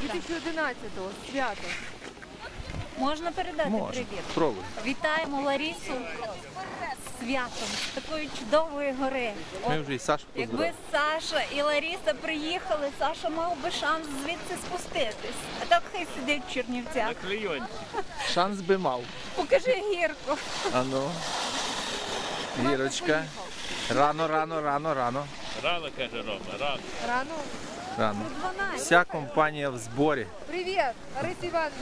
2011-го, свято. Можна передати привіт? Пробуй. Вітаємо Ларісу з святом, з такої чудової гори. Ми вже і Сашу Якби поздравили. Саша і Ларіса приїхали, Саша мав би шанс звідси спуститись. А так хай сидить в Чернівцях. Шанс би мав. Покажи гірку. Ану. Вірочка. Рано. Рано, каже Рома, рано. Рано. Рано. Вся компанія в зборі. Привіт, Лариса Івановна.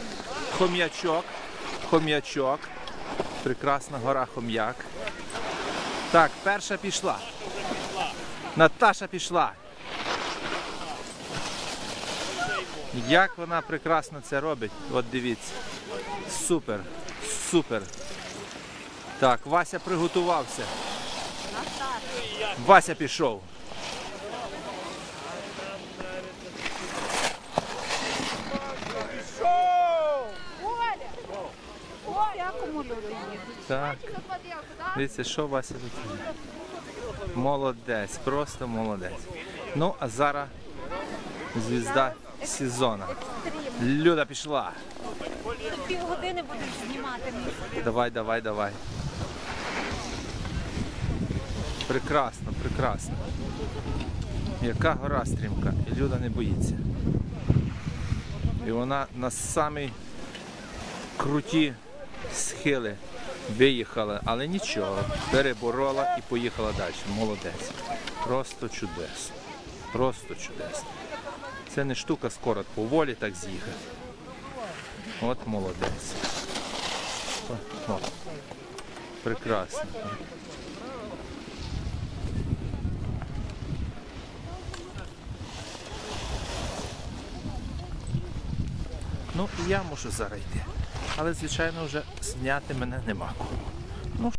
Хом'ячок. Прекрасна гора Хом'як. Так, перша пішла. Наташа пішла. Як вона прекрасно це робить, от дивіться. Супер, супер. Так, Вася приготувався. Вася пішов. Всякому люди їдуть. Так. Дивіться, що Вася тут робить. Молодець, просто молодець. Ну, а зараз звізда сезону. Люда пішла. Тут півгодини будеш знімати місце. Давай. Прекрасно, прекрасно. Яка гора стрімка. І Люда не боїться. І вона на самі круті схили виїхала, але нічого, переборола і поїхала далі. Молодець. Просто чудесно. Просто чудесно. Це не штука скоро, поволі так з'їхати. От молодець. О. Прекрасно. Ну, і я мушу зараз йти. Але, звичайно, вже зняти мене нема кого.